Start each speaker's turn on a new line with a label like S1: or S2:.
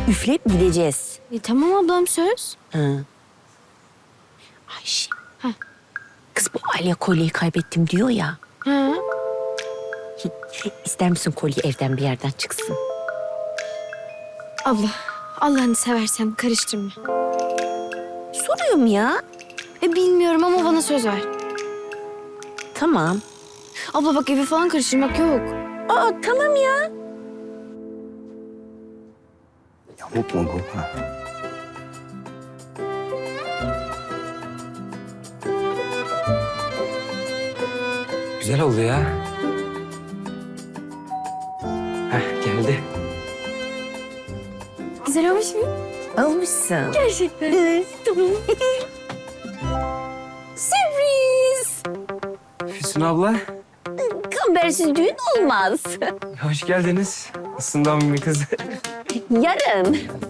S1: üfleyip gideceğiz.
S2: Tamam ablam söz.
S1: Hı. Ayşe.
S2: Heh.
S1: Kız bu Alya kolyeyi kaybettim diyor ya.
S2: Ha.
S1: İster misin kolye evden bir yerden çıksın?
S2: Abla Allah'ını seversen karıştırma.
S1: Soruyorum ya.
S2: Bilmiyorum ama bana söz ver.
S1: Tamam.
S2: Abla bak evi falan karıştırmak yok.
S1: Aa tamam ya.
S3: Yamuk mu bu? Ha.
S4: Güzel oldu ya. Heh, geldi.
S2: Güzel olmuş mu?
S1: Almışsın.
S2: Gerçekten.
S1: Tamam. Sürpriz.
S4: Füsun abla,
S1: Kambersiz düğün olmaz.
S4: hoş geldiniz. Nasılsın bir kız?
S1: Yarın.